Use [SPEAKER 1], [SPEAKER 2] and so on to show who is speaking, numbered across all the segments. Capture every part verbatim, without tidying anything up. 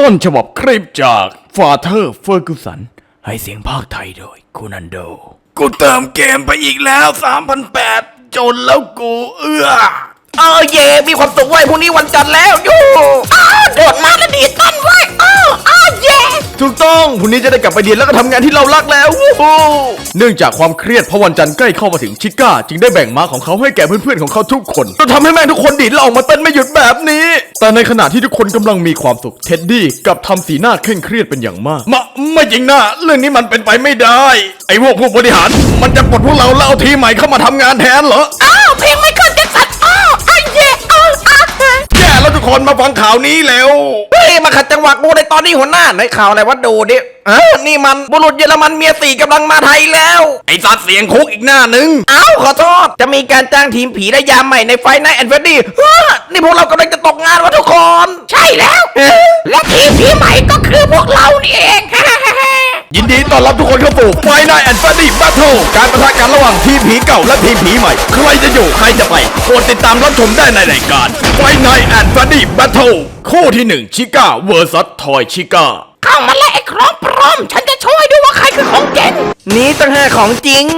[SPEAKER 1] ต้นฉบับคลิปจากฟาเธอร์เฟอร์กูสันให้เสียงภาคไทยโดยคูนันโดกูเติมเกมไปอีกแล้ว สามพันแปดร้อย จนแล้วกูเอื้อ
[SPEAKER 2] เออเย่มีความสุขไว้พรุ่งนี้วันจันทร์แล้วยูอ้าวโดดมาแล้วดีต้นไว้อ้าวอ้าวเย่
[SPEAKER 1] ถูกต้องพรุ่งนี้จะได้กลับไปเรียนแล้วก็ทำงานที่เรารักแล้ววู้ฮู้เนื่องจากความเครียดเพราะวันจันทร์ใกล้เข้ามาถึงชิก้าจึงได้แบ่งม้าของเขาให้แก่เพื่อนๆของเขาทุกคนจนทำให้แม่งทุกคนดีดและออกมาเต้นไม่หยุดแบบนี้แต่ในขณะที่ทุกคนกำลังมีความสุขเท็ดดี้กลับทำสีหน้าเคร่งเครียดเป็นอย่างมากมาไม่จริงนะเรื่องนี้มันเป็นไปไม่ได้ไอ้พวกผู้บริหารมันจะปลดพวกเราแล้วเอาทีมใหม่เข้ามาทำงานแทนเหรอ
[SPEAKER 2] อ้าวเพลงไม่ขึ้นจะสัตว์อ้าวอ้าวเย่อ้าวอ้าว
[SPEAKER 1] แย่แล้วทุกคนมาฟังข่าวนี้แล้ว
[SPEAKER 2] เฮ้ยมาขัดจังหวะกูในตอนนี้หัวหน้าในข่าวอะไรวะดูดิเออนี่มันบุรุษเยอรมันเมียสี่กำลังมาไทยแล้ว
[SPEAKER 1] ไอ้สัตว์เสียงคุกอีกหน้านึง
[SPEAKER 2] อ้าวขอโทษจะมีการจ้างทีมผีและยามใหม่ในไฟไนท์แอนด์เฟรดดี้นี่พวกเรากำลังจะตกงานวะทุกคนใช่แล้วและทีมผีใหม่ก็คือพวกเรานี่เอง
[SPEAKER 1] ยินดีต้อนรับทุกคนเข้าสู่ไฟไนท์แอนด์เฟรดดี้แบทเทิลการประทะกันระหว่างทีมผีเก่าและทีมผีใหม่ใครจะอยู่ใครจะไปโปรดติดตามรับชมได้ในรายการไฟไนท์แอนด์เฟรดดี้แบทเทิลคู่ที่หนึ่งชิก้าเวอร์ซัสทอยชิก้า
[SPEAKER 2] เข้ามาแล้วไอ้ครองพร้อมฉันจะช่วยดูว่าใครคือของจริงนี่ตั้งห้าของจริง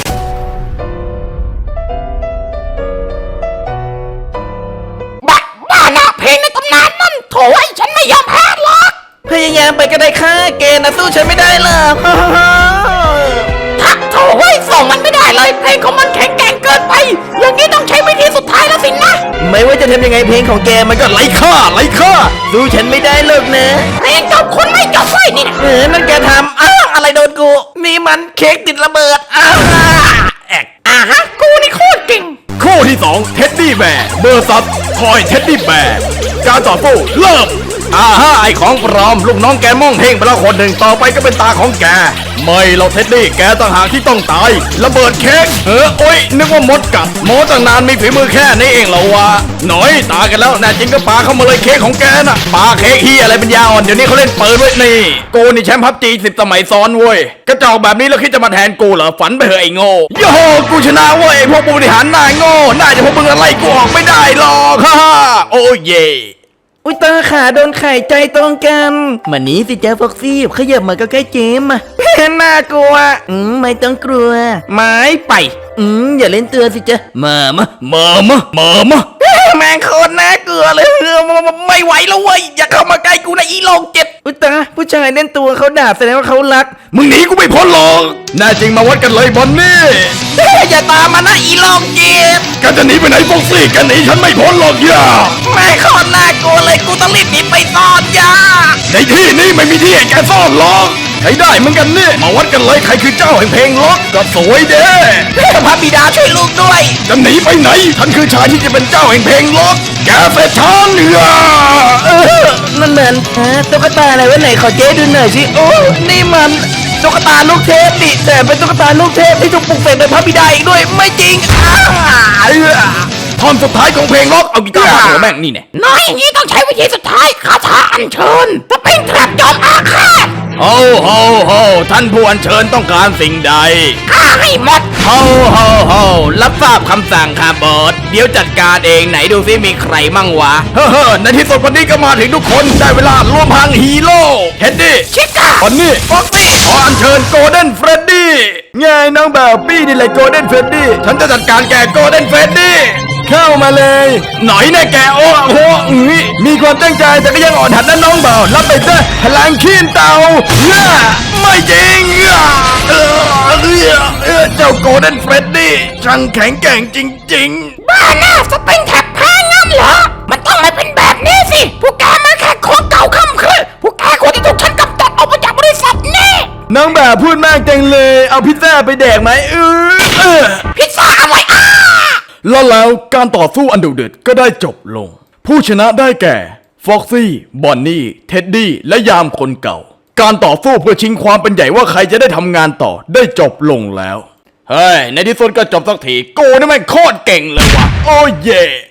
[SPEAKER 2] บ้าบ้านะเพลงในตำนานนั่นโถ่ไอ้ฉันไม่ยอมแพ้หรอกพยายามไปก็ได้ค่ะเกณฑ์นะสู้ฉันไม่ได้หรอกทักโถ่ไอ้ส่งมันไม่ได้เลยเพลงของมันแข็งแกร่งเกินไปอย่างนี้ต้องใช้วิธีสุดท้ายแล้วสินะไม่ว่าจะทำยังไงเพลงของแกมันก็
[SPEAKER 1] ไร้ค่าไร้ค่า
[SPEAKER 2] สู้ฉันไม่ได้หรอกนะเพลงจบคุณไม่จบไว้นี่นะเออนั่นแกทำอ้าวอะไรโดนกูนี่มันเค้กติดระเบิดอ้าวแอกอ่าฮะกูนี่โคตรเก่ง
[SPEAKER 1] คู่ที่สองเท็ดดี้แบร์เบอร์ซัสทอยเท็ดดี้แบร์การต่อสู้เริ่มอ่าฮะไอของปลอมลูกน้องแกม่องเพ่งไปแล้วคนหนึ่งต่อไปก็เป็นตาของแกไม่เราเท็ดดี้แกต่างหากที่ต้องตายระเบิดเค้กเออโอ้ยนึกว่ามดกัดหมอตั้งนานมีฝีมือแค่นี้เองเหรอวะหน่อยตายกันแล้วแน่จริงก็ปาเข้ามาเลยเค้กของแกน่ะปาเค้กเฮียอะไรเป็นยาอ่อนเดี๋ยวนี้เขาเล่นเปิดไว้นี่โกนี่แชมป์พับจีสิบสมัยซ้อนเว้ยกระจอกแบบนี้แล้วคิดจะมาแทนกูเหรอฝันไปเหอะไอ้โง่โย่กูชนะเว้ยพวกบริหารหน้าโง่น่าจะพวกมึงอะไรกูออกไม่ได้หรอกฮ่าโอ้เย่
[SPEAKER 2] อุ้ยตาขาโดนไข่ใจตรงกันมานี้สิเจ้าฟ็อกซี่ขยับมาก็ใกล้เจมมาน่ากลัวอืมไม่ต้องกลัวไม้ไปอืมอย่าเล่นตัวสิจ๊ะมามะ
[SPEAKER 1] มามะมามะ
[SPEAKER 2] แม่งโคตรน่ากลัวเลยไม่ไหวแล้วเว้ยอย่าเข้ามาใกล้กูนะอีโลงเจ็ดอุ้ยตาผู้ชายเล่นตัวเขาด่าแสดงว่าเขารัก
[SPEAKER 1] มึงหนีกูไม่พ้นหรอกแน่จริงมาวัดกันเลยบอนนี่
[SPEAKER 2] อย่าตามมานะอีโลงเจ็ด
[SPEAKER 1] กันจะหนีไปไหนฟ็อกซี่กันหนีฉันไม่พ้นหรอกย่า
[SPEAKER 2] แม่งโคตรน่ากลัวเลยกูต้องรีบหนีไปซ่อนย่า
[SPEAKER 1] ในที่นี้ไม่มีที่ให้แกซ่อนหรอกใช้ได้เหมือนกันนี่มาวัดกันเลยใครคือเจ้าแห่งเพลงล็อกก็สวยเด้
[SPEAKER 2] พระบิดาช่วยลูกด้วย
[SPEAKER 1] จะหนีไปไหนฉันคือชายที่จะเป็นเจ้าแห่งเพลงล็อกแกเสร็จฉันเหนือ
[SPEAKER 2] นั่นเหมือนตุ๊กตาอะไรวะไหนขอเจ๊ดูหน่อยสิโอ้นี่มันตุ๊กตาลูกเทพดิแต่เป็นตุ๊กตาลูกเทพที่ถูกปลุกเสกโดยพระบิดาอีกด้วยไม่จริง
[SPEAKER 1] ท่อนสุดท้ายของเพลงล็อกเอากีตาร์มาหัวแม่งนี่แน่
[SPEAKER 2] น้อยอย่างนี้ต้องใช้วิธีสุดท้ายคาถาอัญเชิญจะเป็นแทบจอมอาฆาต
[SPEAKER 1] โอ้โหโหท่านผู้อัญเชิญต้องการสิ่งใด
[SPEAKER 2] ฆ่าให้หมด
[SPEAKER 1] โฮโฮโฮรับทราบคำสั่งค่ะบอสเดี๋ยวจัดการเองไหนดูซิมีใครมั่งวะเฮ้อในที่สุดวันนี้ก็มาถึงทุกคนได้เวลารวมพลังฮีโร่เฮดดี้
[SPEAKER 2] ชิก้า
[SPEAKER 1] วันนี้
[SPEAKER 2] ฟ็อกซี่
[SPEAKER 1] ขออัญเชิญโกลเด้นเฟรดดี้ไงน้องแบบปี้นี่แหละโกลเด้นเฟรดดี้ฉันจะจัดการแกโกลเด้นเฟรดดี้เข้ามาเลยหน่อยแน่แกโอ้โหมีความตั้งใจแต่ก็ยังอ่อนหัดนั่นน้องเบารับไปซะพลังขี้นเต่าไม่จริงเออเออเจ้าโกลเด้นเฟรดดี้ช่างแข็งแกร่งจริง
[SPEAKER 2] ๆบ้าหน้าสปริงแท็บแพ้งั้นเหรอมันต้องไม่เป็นแบบนี้สิพวกแกมาแค่ของเก่าค่ำคืนพวกแกคนที่ถูกฉันกำจัดออกมาจากบริษัทนี่
[SPEAKER 1] น้องแบบพูดมากจังเลยเอาพิซซ่าไปแดกไหมเออ
[SPEAKER 2] พิซซ่าอะไรอ้า
[SPEAKER 1] แล้วแล้วการต่อสู้อันดุเดือดก็ได้จบลงผู้ชนะได้แก่ฟ็อกซี่บอนนี่เท็ดดี้และยามคนเก่าการต่อสู้เพื่อชิงความเป็นใหญ่ว่าใครจะได้ทำงานต่อได้จบลงแล้วเฮ้ยในที่สุดก็จบสักทีกูนี่แม่งโคตรเก่งเลยว่ะโอ้เย่